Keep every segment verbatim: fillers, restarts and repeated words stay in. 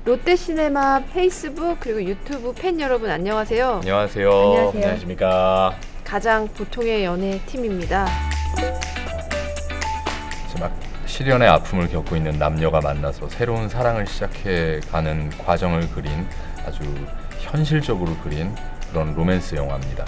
롯데시네마 페이스북 그리고 유튜브 팬 여러분 안녕하세요. 안녕하세요. 안녕하세요. 안녕하십니까. 가장 보통의 연애 팀입니다. 이제 막 시련의 아픔을 겪고 있는 남녀가 만나서 새로운 사랑을 시작해가는 과정을 그린 아주 현실적으로 그린 그런 로맨스 영화입니다.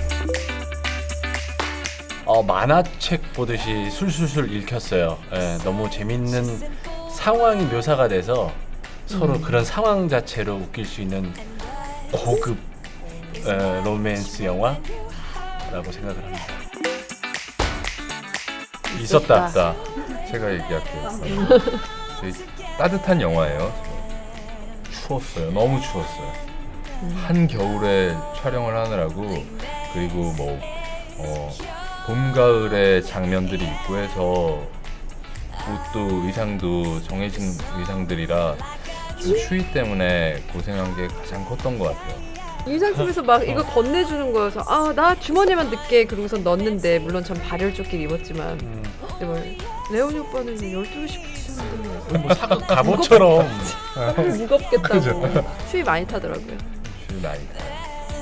어, 만화책 보듯이 술술술 읽혔어요. 예, 너무 재밌는 상황이 묘사가 돼서 서로 음. 그런 상황 자체로 웃길 수 있는 고급 에, 로맨스 영화라고 생각을 합니다. 있었다. 있다. 제가 얘기할게요. 되게 따뜻한 영화예요. 추웠어요. 너무 추웠어요. 음. 한겨울에 촬영을 하느라고 그리고 뭐 어, 봄, 가을의 장면들이 있고 해서 옷도 의상도 정해진 의상들이라 좀 추위 때문에 고생한 게 가장 컸던 것 같아요. 유상팀에서 막 이거 건네주는 거여서 아 나 주머니만 늦게 그러고서 넣었는데 물론 전 발열조끼를 입었지만 음, 근데 뭐 레오니 오빠는 열두 시부터 시작하는데 뭐 사과 갑옷처럼 무겁겠다고 추위 많이 타더라고요. 추위 많이 타요.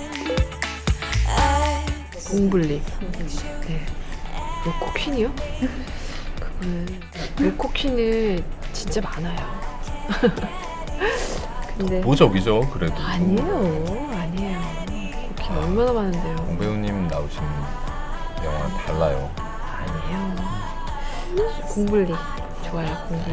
공블리. 네. 로코 퀸이요? 그거는 로코 퀸은 진짜 많아요. 근데 보적이죠, 그래도. 아니에요, 아니에요. 로코 퀸 얼마나 많은데요. 공 배우님 나오신 영화 달라요. 아니에요. 공블리 좋아요, 공블리.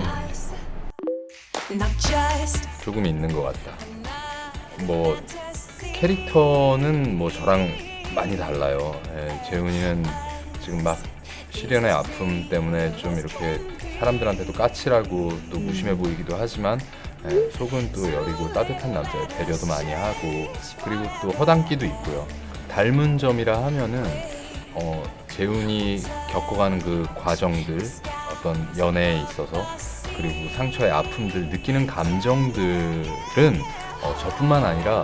조금 있는 것 같다. 뭐 캐릭터는 뭐 저랑 많이 달라요. 예, 재훈이는 지금 막 시련의 아픔 때문에 좀 이렇게 사람들한테도 까칠하고 또 무심해 보이기도 하지만 예, 속은 또 여리고 따뜻한 남자예요. 배려도 많이 하고 그리고 또 허당끼도 있고요. 닮은 점이라 하면은 어, 재훈이 겪어가는 그 과정들 어떤 연애에 있어서 그리고 상처의 아픔들 느끼는 감정들은 어, 저뿐만 아니라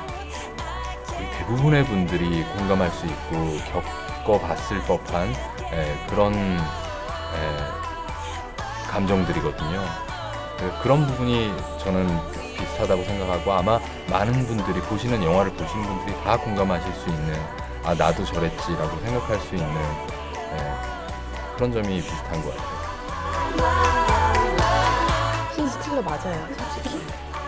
대부분의 분들이 공감할 수 있고 겪어봤을 법한 에, 그런 에, 감정들이거든요. 에, 그런 부분이 저는 비슷하다고 생각하고 아마 많은 분들이 보시는 영화를 보시는 분들이 다 공감하실 수 있는 아 나도 저랬지라고 생각할 수 있는 에, 그런 점이 비슷한 것 같아요. 신 스틸러 맞아요, 솔직히.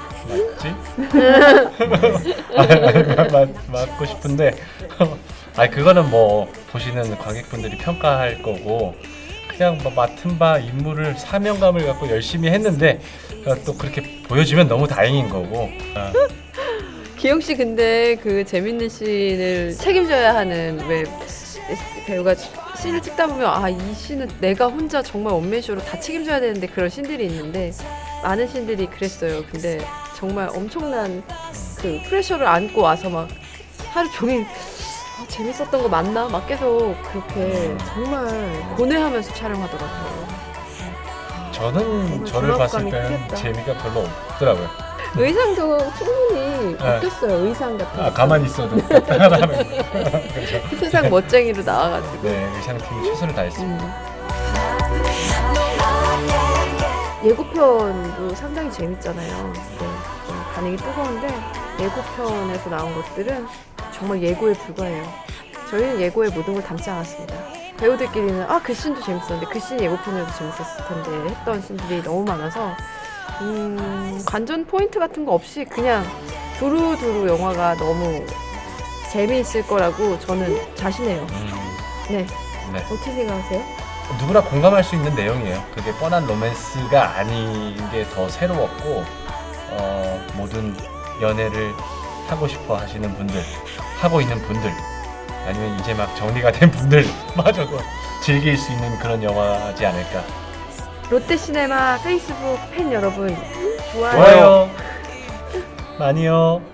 맞지? 맞, 맞고 싶은데 아 그거는 뭐 보시는 관객분들이 평가할 거고 그냥 뭐 맡은 바 임무를 사명감을 갖고 열심히 했는데 또 그렇게 보여주면 너무 다행인 거고 어. 기영 씨 근데 그 재밌는 씬을 책임져야 하는 왜 배우가 씬을 찍다 보면 아 이 씬은 내가 혼자 정말 원맨쇼로 다 책임져야 되는데 그런 씬들이 있는데 많은 씬들이 그랬어요. 근데 정말 엄청난 그 프레셔를 안고 와서 막 하루 종일 아, 재밌었던 거 맞나? 막 계속 그렇게 정말 고뇌하면서 촬영하더라고요. 저는 저를 봤을 때는 크겠다. 재미가 별로 없더라고요. 의상도 충분히 네. 바뀌었어요. 의상 같은 거. 아 가만히 있어도 하는 거. 그렇죠. 세상 멋쟁이로 나와가지고. 네 의상팀이 최선을 다했습니다. 음. 예고편도 상당히 재밌잖아요. 네, 좀 반응이 뜨거운데 예고편에서 나온 것들은 정말 예고에 불과해요. 저희는 예고에 모든 걸 담지 않았습니다. 배우들끼리는 아 그 씬도 재밌었는데 그 씬 예고편이라도 재밌었을 텐데 했던 씬들이 너무 많아서 음, 관전 포인트 같은 거 없이 그냥 두루두루 영화가 너무 재미있을 거라고 저는 자신해요. 음, 네, 네. 어떻게 생각하세요? 누구나 공감할 수 있는 내용이에요. 그게 뻔한 로맨스가 아닌 게 더 새로웠고 어, 모든 연애를 하고 싶어 하시는 분들, 하고 있는 분들 아니면 이제 막 정리가 된 분들마저도 즐길 수 있는 그런 영화지 않을까. 롯데시네마 페이스북 팬 여러분 좋아요. 좋아요. 많이요.